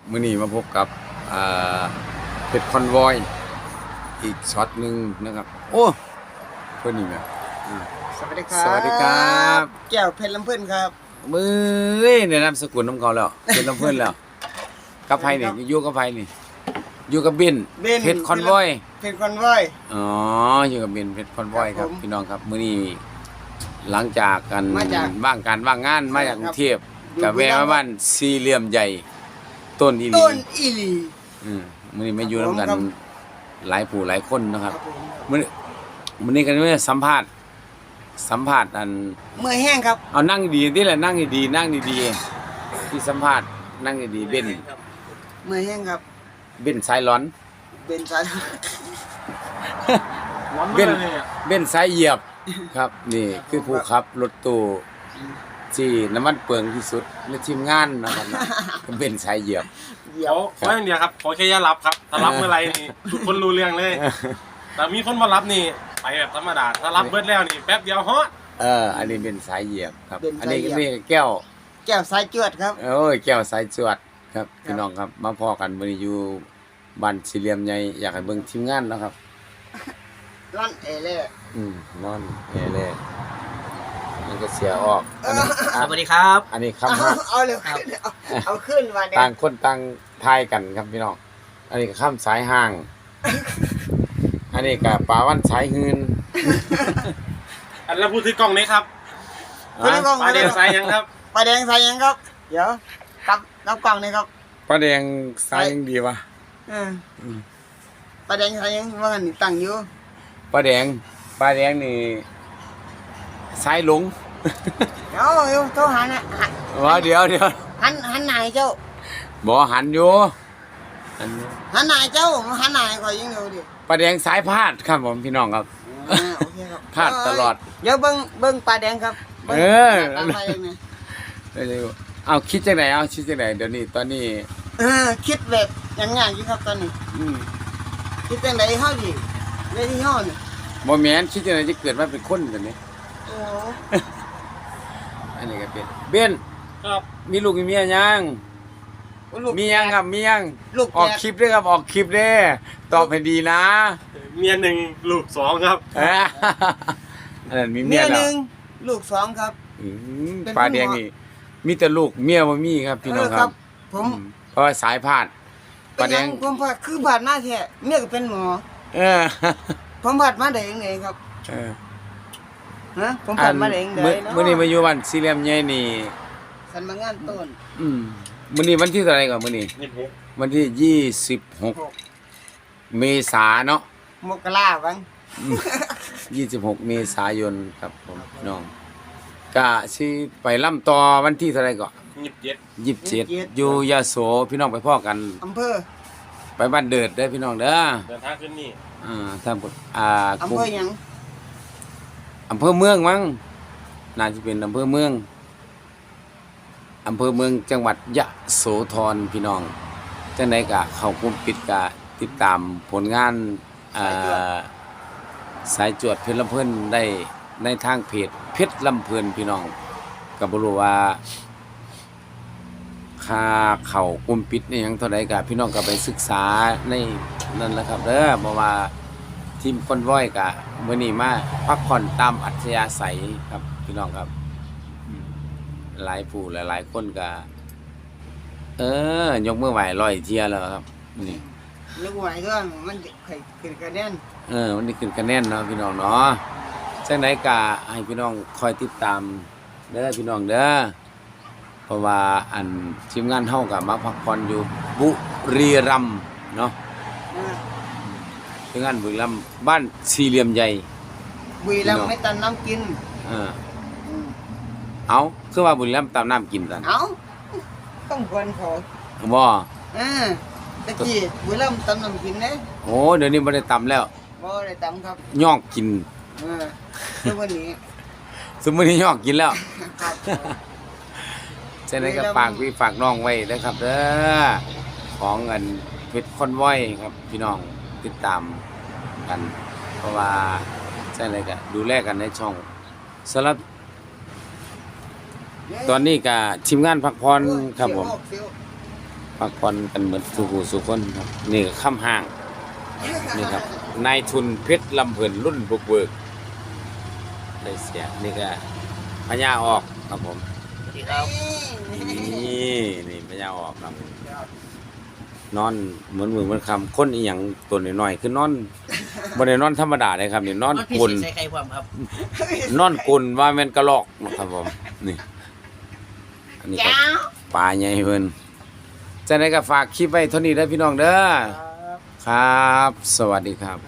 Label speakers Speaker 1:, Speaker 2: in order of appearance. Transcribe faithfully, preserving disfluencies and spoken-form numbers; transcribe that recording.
Speaker 1: มื้อนี้มาพบกับอ่าเพชรคอนวอยอีกช็อตหนึ่งนะครับโอ้เพื่อนนี่นะอ่า
Speaker 2: สวัสดีครับ
Speaker 1: สวัสดีครับ
Speaker 2: แก้วเพชรลำเพื่อนครับ
Speaker 1: มือในนามสกุลน้ำเขาแล้วเป็นน้ำเพื่อนแล้วกับไผนี่อยู่กับไผนี่อยู่กับเบน
Speaker 2: เบน
Speaker 1: เพชรคอนวอย
Speaker 2: เพชรคอนวอย
Speaker 1: อ๋ออยู่กับเบนเพชรคอนวอย
Speaker 2: ค
Speaker 1: ค
Speaker 2: รั
Speaker 1: รั
Speaker 2: บบ ผม
Speaker 1: พี่น้องครับมื้อนี้หลังจากกัน
Speaker 2: มาจาก
Speaker 1: บ้างการบ้างงานมาจากกรุงเทพ
Speaker 2: อยู่
Speaker 1: กับแวะ
Speaker 2: บุรีรั
Speaker 1: มาม
Speaker 2: ย์
Speaker 1: บ้านสี่เหลี่ยมใหญ่ต้นอีหลี
Speaker 2: ต้นอีหลี
Speaker 1: อืมมื้อนี้มาอยู่
Speaker 2: ครับ
Speaker 1: นำกัน
Speaker 2: ผม
Speaker 1: หลายผู้หลายคนนะครับ
Speaker 2: ครับผม
Speaker 1: มื้อนี้มื้อนี้กันว่าสัมภาษณ์สัมภาษณ์อัน
Speaker 2: เมื่อยแห้งครับ
Speaker 1: เอานั่งดีๆนี่แหละนั่งดีๆนั่งดีๆที่สัมภาษณ์นั่งดีๆเบน
Speaker 2: เมื่อยแห้งครับ
Speaker 1: เบนสายร้อน
Speaker 2: เป็นสาย
Speaker 1: เบนเบนสายเหยียบครับนี่คือผู้ขับรถตู้ที่น้ำมันเปลืองที่สุดในทีมงานนะครับนะเบนสายเหยียบ
Speaker 2: เดี๋ย
Speaker 3: ขอขออย่างเดียวครับขอแค่อย่ารับครับถ้ารับเมื่อไหรนี่ทุกคนรู้เรื่องเลย แต่มีคนมารับนี่ไปแบบธรรมดาถ้ารับเบิดแล้วนี่แป๊บเดียวฮอต
Speaker 1: เอออันนี้เป็นสายเหยียบครับอันนี้ก็นี่แก้ว
Speaker 2: แก้วสายจวดครับ
Speaker 1: โอ้ยแก้วสายจวดครับพี่น้องครับมาพอกันมื้อนี้อยู่บ้านสี่เหลี่ยมใหญ่อยากให้เบิ่งทีมงานเนาะครับ
Speaker 2: ร้อนเอเล่
Speaker 1: อืมนอนแอร์เลยมันก็เสียออกอันนี้
Speaker 3: สวัสดีครับ
Speaker 1: อันนี้
Speaker 2: เอา
Speaker 1: คำฮัก
Speaker 2: เอาเร็วขึ้นเอาเอาขึ้นมาเนี่ย
Speaker 1: ต่างคนต่างทายกันครับพี่น้องอันนี้ก็ข้ามสายห่าง อันนี้ก็ปลาวันสายหืน
Speaker 3: อันแล้วพูดถึงกล้องนี้ครับ
Speaker 2: คุณกล้อง
Speaker 3: ปลาเดียวไซยังครับ
Speaker 2: ปลาแดงใส่ยังครับ เดี๋ยวกับกับกล่องนี่ครับ
Speaker 1: ปลาแดงสายยังดีวะ
Speaker 2: เออปลาแดงใส่ยังว่ากันนี่ตั้งอยู่
Speaker 1: ปลาแดงปลาแดงนี่สายหลง
Speaker 2: เดี๋ยวเดี๋ยวโทรหานะหัน
Speaker 1: ว่าเดี๋ยวเดี๋ยว
Speaker 2: หันหันหนายเจ้า
Speaker 1: บ่หันอยู่อันนี้
Speaker 2: หันหนายเจ้าหันหนายคอยยิงเร็วดิ
Speaker 1: ปลาแดงสายพาดครับผมพี่น้องครับ
Speaker 2: อ่าโอเคครับ
Speaker 1: พลาดตลอด
Speaker 2: เดี๋ยวเบิ้งเบิ้งปลาแดงครับบิ่ง
Speaker 1: เออ
Speaker 2: ปลาปลาแดงเนี่ย
Speaker 1: เร็วๆเอาคิดจังไหนเอาคิดจังไหนเดี๋ยวนี้ตอนนี้
Speaker 2: เออคิดแบบอย่างง่ายอยู่ครับตอนนี้
Speaker 1: อืม
Speaker 2: คิดจังไดเฮาดิเวทีเฮานี่
Speaker 1: บ่แม่นคิดจังไหนจะเกิดมาเป็นคนกันนี้
Speaker 2: โอ้
Speaker 1: อันนี้ก็เป็นเบน
Speaker 3: ครับ
Speaker 1: มีลูกมีเมียยัง
Speaker 2: ลูก
Speaker 1: มียังครับมียัง
Speaker 2: ลูก
Speaker 1: ออกคลิปด้วยครับออกคลิปเด้ตอบให้ดีนะ
Speaker 3: เมียหนึ่งลูกสองครับ
Speaker 1: เอ้ออันนั้นมีเมี
Speaker 2: เมี
Speaker 1: ย
Speaker 2: ยห
Speaker 1: แล้ว
Speaker 2: นึ่งลูกสองครับ
Speaker 1: อืม
Speaker 2: เป็น
Speaker 1: ปลาแดง
Speaker 2: คุณหมอ
Speaker 1: นี่มีแต่ลูกเมียบ่มีครับพี่น้อง
Speaker 2: เออ
Speaker 1: ค
Speaker 2: ครั
Speaker 1: รับ
Speaker 2: บ ผม
Speaker 1: อืมเพราะว่าสายพาดป
Speaker 2: เป็
Speaker 1: ลาน แด
Speaker 2: หยัง งผมพาคือผ่านมาแท้เมียก็เป็นหมอ
Speaker 1: เออ
Speaker 2: ผมผ่านมาได้ยังไงครับ
Speaker 1: เออ
Speaker 2: ฮะผมผ่านมาได้ยังไง
Speaker 1: มื้อ
Speaker 2: เนาะ
Speaker 1: มื้อนี้มาอยู่บ้านสี่เหลี่ยมใหญ่นี่
Speaker 2: สันมางานต้น
Speaker 1: อืมมื้อนี้วันที่เท่าไหร่ก่อนมื้อนี้
Speaker 3: นี่ผม
Speaker 1: วันที่ยี่สิบหก
Speaker 2: หก
Speaker 1: เมษาเนาะ
Speaker 2: มกราบัง
Speaker 1: ยี่สิบหกเมษายนครับผมพี่น้องก็สิไปล่ำต่อวันที่เท่าไหร่ก่อน
Speaker 3: ยิบเย็ด
Speaker 1: ยี่สิบเจ็ดอยู่ยโสพี่น้องไปพ่อกัน
Speaker 2: อำเภอ
Speaker 1: ไปบ้านเดิดได้อพี่น้องเด้อ
Speaker 3: เดินทางขึ้นนี่
Speaker 1: อ่าท่านผู้อ่า
Speaker 2: อำเภอหยัง
Speaker 1: อำเภอเมืองมั้งน่าจะเป็นอำเภอเมืองอำเภอเมืองจังหวัดยะโสธรพี่น้องจังไดก็เข้ากลุ่มปิดก็ติดตามผลงานอ่าสายจวดเพชรลำเพิ่นได้ในทางเพจเพชรลำเพิ่นพี่น้องก็บ่รู้ว่าค่าเข้ากลุ่มปิดนี่หยังเท่าใดก็พี่น้องก็ไปศึกษาในนั่นแหละครับเด้อเพราะว่าทีมคอนวอยก็มื้อนี้มาพักผ่อนตามอัธยาศัยครับพี่น้องครับอืมหลายผู้หลายๆคนก็เออยกมือไหว้ร้อยเที่ยแล้วครับนี่
Speaker 2: ลูกไหวก็มันเคยขึ้นกระเด็น
Speaker 1: เออวันนี้ขึ้นคะแนนเนาะพี่น้องเนาะจังไดก็ให้พี่น้องคอยติดตามเด้อพี่น้องเด้อเพราะว่าอันทีมงานเฮาก็มาพักผ่อนอยู่บุรีรัมย์เนาะ
Speaker 2: อ่า
Speaker 1: ทีมงานบุรีรัมย์บ้านสี่เหลี่ยมใหญ่
Speaker 2: บุรีรัมย์ไม่ตันน้ำกิน
Speaker 1: เออ
Speaker 2: อืม
Speaker 1: เอาคือว่าบุรีรัมย์ตามน้ำกินกัน
Speaker 2: เอ้าต้องควรขอ
Speaker 1: บ่
Speaker 2: อ่าตะกี้บุรีรัมย์ตันน้ำกินเด้
Speaker 1: โอ้เดี๋ยวนี้บ่ได้ตำแล้ว
Speaker 2: บ่ได้ตำครับ
Speaker 1: ยอกกิน
Speaker 2: เออทุกวันนี้
Speaker 1: สมมุตินี้ยอกกินแล้ว
Speaker 2: ครับ
Speaker 1: ฉะนั้นก็ฝากพี่ฝากน้องไว้นะครับเด้อของเงินเพชรคอนวอยครับพี่น้องติดตามกัน เพราะว่าใช่เลยก็ดูแลกันในช่องสำหรับตอนนี้ก็ทีมงานพักผ่อนครับผม
Speaker 2: เสียว
Speaker 1: พักผ่อนกันเหมือนทุกผู้สุกคนครับ นี่ก็ค่ำห้างนี่ครับนายทุนเพชรลำเพลินรุ่นบุกเบิกได้เสียนี่ก็พญาออกครับผม
Speaker 2: สวัสดีครับ
Speaker 1: นี่นี่พญาออกครับนอนเหมือนมือเหมือนคำคนอีหยังตัวน้อยๆคือนอนบ่ได้นอนธรรมดาเลยครับนี่นอน
Speaker 2: พี่
Speaker 1: กุน
Speaker 2: ใส่ไข่พร้อมครับ
Speaker 1: นอนกุนว่าแม่นกระลอกนะครับผมนี่อันนี้ก็ปลาใหญ่เพิ่นจะได้ก็ฝากคลิปไว้เท่านี้เด้อพี่น้องเด้อครับ สวัสดีครับ